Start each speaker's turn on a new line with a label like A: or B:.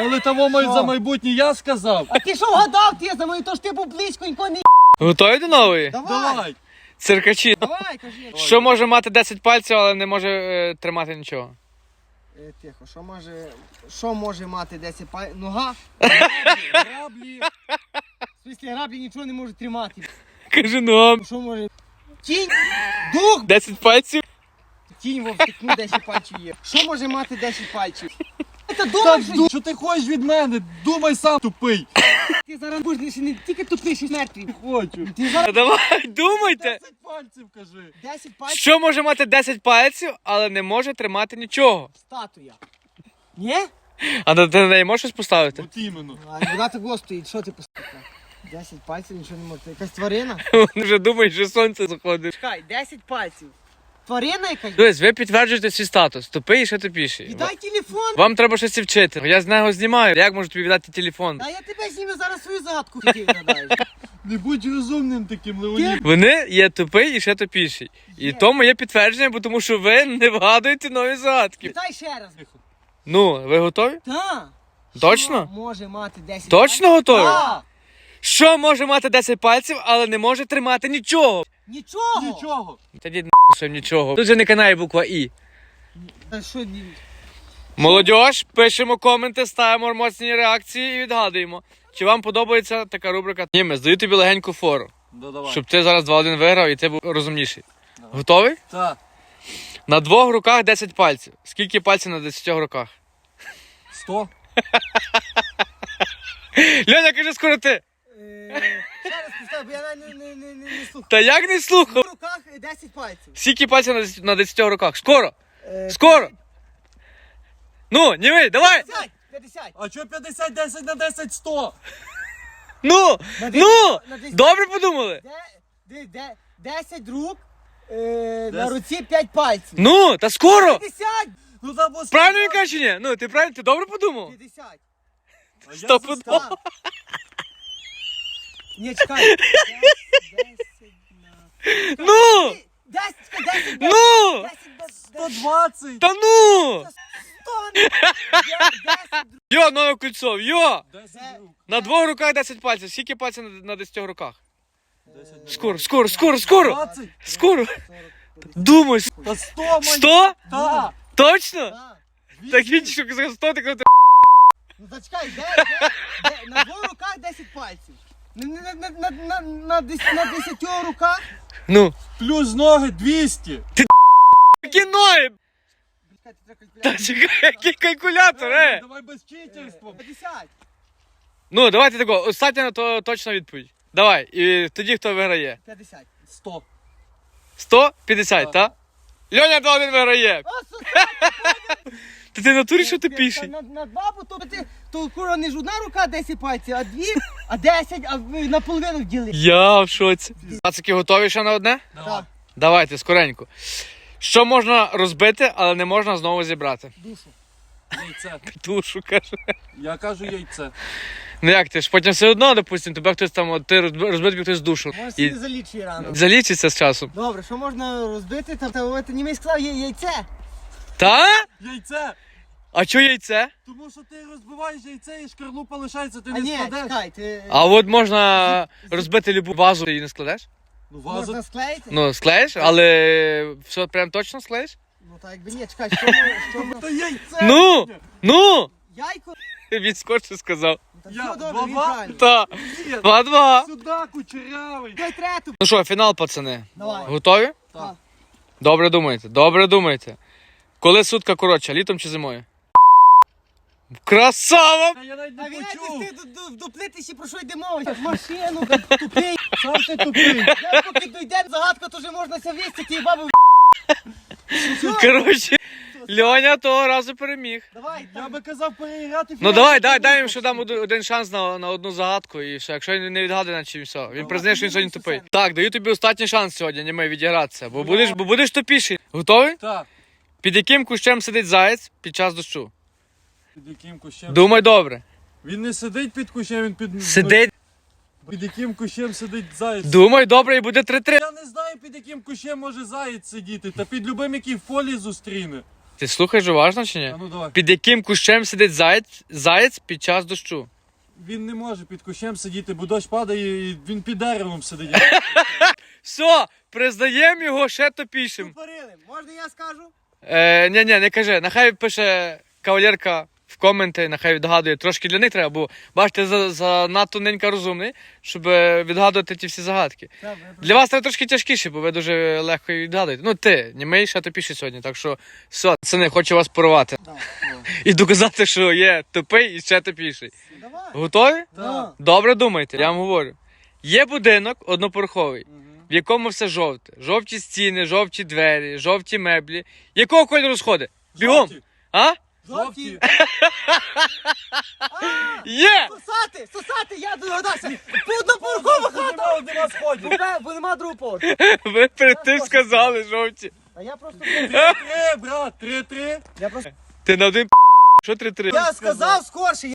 A: Але того
B: Що?
A: за майбутнє я сказав.
B: А ти що вгадав, ти за мною, то ж ти був близьконько не...
C: Готові до нової?
A: Давай.
C: Циркачі.
B: Давай, кажи.
C: Що може мати 10 пальців, але не може тримати нічого?
B: Тихо, що може мати 10 пальців? Нога?
A: Граблі.
B: В смислі, граблі нічого не може тримати.
C: Кажи ну.
B: Що може? Тінь? Дух?
C: 10 пальців?
B: Тінь вовтикну 10 пальців є. Що може мати 10 пальців? Ти
A: Так,
B: думаєш, що
A: що ти хочеш від мене? Думай сам, тупий.
B: ти зараз будеш не тільки тупий, що мертвий.
A: Хочу.
B: Ти зараз
C: Давай, думайте.
A: 10 пальців кажи.
B: 10 пальців
C: Що може мати 10 пальців, але не може тримати нічого?
B: статуя. Ні?
C: А ти на неї можеш щось поставити?
A: От іменно.
B: А вона так стоїть, що ти поставив? 10 пальців, нічого не може. Якась тварина?
C: Вони вже думають, що сонце заходить.
B: Чекай, 10 пальців. Тварина якась?
C: Дивись, ви підтверджуєте свій статус. Тупий і ще тупіший.
B: Віддай телефон.
C: Вам треба щось вчити. Я з нього знімаю. Як можу тобі віддати телефон?
B: А я тебе зніму зараз свою загадку. Ти відгадаєш.
A: Не будь розумним таким, Леонід.
C: Вони є тупий і ще тупіший. І тому є підтвердження, бо тому що ви не вгадуєте нові загадки.
B: Віддай ще раз.
C: Ну, ви готові?
B: Та.
C: Точно?
B: Що може мати 10
C: Точно готові?
B: Так.
C: Що може мати 10 пальців, але не може тримати нічого?
B: Нічого.
A: Нічого.
C: Тоді що нічого. Тут же не канає буква І.
B: Та що ні?
C: Молодіж, пишемо коменти, ставимо емоційні реакції і відгадуємо. Чи вам подобається така рубрика? Німець, даю тобі легеньку фору,
A: Давай.
C: щоб ти зараз 2-1 виграв і ти був розумніший. Готовий?
A: Так.
C: На 2 руках 10 пальців. Скільки пальців на 10 руках?
A: 100.
C: Льоня, кажи скоро ти.
B: Ще раз поставь, бо я не слухаю.
C: Та як не
B: В
C: слухав?
B: руках 10 пальців.
C: Скільки пальців на 10 руках? Скоро! Скоро! Ну, німей, давай!
B: 50. 50.
A: А чого 50, 10 на 10, 100?
C: Ну!
B: На
C: Ну!
B: 10.
C: Добре подумали?
B: 10 рук, на руці 5 пальців.
C: Ну, та скоро!
B: 50.
A: Ну там ось.
C: Правильно він каже чи ні? Ну, ти правильно, ти добре подумав?
B: 50.
A: А я
C: Стопудово.
B: Так. Ні, чекай. 10 на...
C: Ну!
B: 10.
C: Ну!
A: 120.
C: Та ну!
B: 10.
C: Йо, нове кольцо, йо!
A: 10 рук.
C: На 2 руках 10 пальців. Скільки пальців на 10 руках?
A: 10 рук.
C: Скоро, скоро, скоро, скоро!
A: 20.
C: Скоро! Думай,
A: Та 100, мать.
C: 100?
A: Так.
C: Точно?
B: Так.
C: Так він що сказав 100, ти кажеш,
B: Ну зачекай, на 2 руках 10 пальців. На 10 руках.
C: ну,
A: Плюс ноги 200.
C: які ноги!
B: Чекай, ти треба
C: Та
B: калькулятор.
C: чекай, який калькулятор,
A: Давай без читерства.
B: 50.
C: Ну, давайте тако, остання то точна відповідь. Давай, і тоді хто виграє?
B: 50.
A: 100.
C: 150, так? Льоня 2-1 виграє. Та ти в натурі що ти піший?
B: На 2, бо то кура не ж одна рука 10 пальців, а 2, а 10, а наполовину вділи.
C: Я в шоці. Пацики готові ще на одне?
B: Так,
C: Давайте, скоренько. Що можна розбити, але не можна знову зібрати?
B: душу.
A: Яйце.
C: Душу, каже.
A: Я кажу яйце.
C: Ну як ти ж потім все одно, допустим, тебе хтось там, от ти розбив тобі хтось душу.
B: Може
C: І
B: собі залічує рано.
C: залічиться з часом.
B: Добре, що можна розбити? Та німець сказав, яйце.
C: Та?
A: Яйце.
C: А чо яйце?
A: Тому що ти розбиваєш яйце і шкарлупа лишається, ти
B: А
A: не
B: ні,
A: складеш.
B: чекай, ти
C: А от можна розбити любу вазу і не складеш?
A: Ну вазу.
B: можна склеїти?
C: Ну, склеїш, але все прям точно склеїш?
B: Ну так якби ні, чекай, що ми...
A: Та яйце.
C: Ну! Ну!
B: Яйко?
C: Він скорше сказав.
B: Та
A: Я
B: все добре, він
A: баба.
B: правильно.
C: Та.
A: Ні,
C: 2-2.
A: Сюди кучерявий.
B: Дай трету.
C: Ну що, фінал, пацани.
B: Давай.
C: Готові?
B: Так.
C: Добре думайте, добре думайте. Коли сутка коротша, літом чи зимою? Красава!
A: Та я навіть
B: А
A: не
B: він
A: почув.
B: ти доплитися, про що йде мова? Машину, тупий.
A: Сам ти тупий.
B: Я поки дойде загадка, то вже можна ся вісти, ті баби.
C: Коротше, Льоня того разу переміг.
B: Давай,
A: Я
B: так.
A: би казав переіграти.
C: Ну давай, дай йому ще дам один шанс на одну загадку і все. Якщо він не відгадує, наче все. Він признає, що він сьогодні тупий. Так, даю тобі останній шанс сьогодні, не ми відігратися, бо будеш тупіший. Готовий?
A: Так.
C: Під яким кущем сидить заєць під час дощу?
A: Під яким кущем?
C: Думай добре.
A: Він не сидить під кущем, він під...
C: Сидить.
A: Під яким кущем сидить заєць?
C: Думай добре і буде 3-3.
A: Я не знаю, під яким кущем може заєць сидіти, та під любим, який в полі зустріне.
C: Ти слухаєш уважно чи ні?
A: А ну давай.
C: Під яким кущем сидить заєць під час дощу?
A: Він не може під кущем сидіти, бо дощ падає і він під деревом сидить.
C: Все, признаємо його ще топішим.
B: Тупорили. Можна я скажу?
C: Ні, не кажи. Нехай пише кавалерка в коменти, нехай відгадує. Трошки для них треба, бо бачите, занадто ненька розумний, щоб відгадувати ті всі загадки. Для вас треба трошки тяжкіше, бо ви дуже легко відгадуєте. Ну ти, німий, ще тупіший сьогодні, так що все, пацани, хочу вас порвати. І доказати, що є тупий і ще тупіший.
B: Давай.
C: Готові?
A: Так.
C: Добре думайте, я вам говорю. Є будинок однопороховий, в якому все жовте. Жовті стіни, жовті двері, жовті меблі. Якого кольору сходи? Бігом!
A: Жовті.
C: А?
A: Жовті.
C: Є!
B: Сосати, я догадався. По однопорохова хата.
A: Нема сходів.
B: Бо нема другого поверху.
C: Ви перед тим сказали жовті.
B: А я просто...
A: 3-3, брат, 3-3.
B: Я просто...
C: Ти на один що 3-3?
B: Я сказав скорше.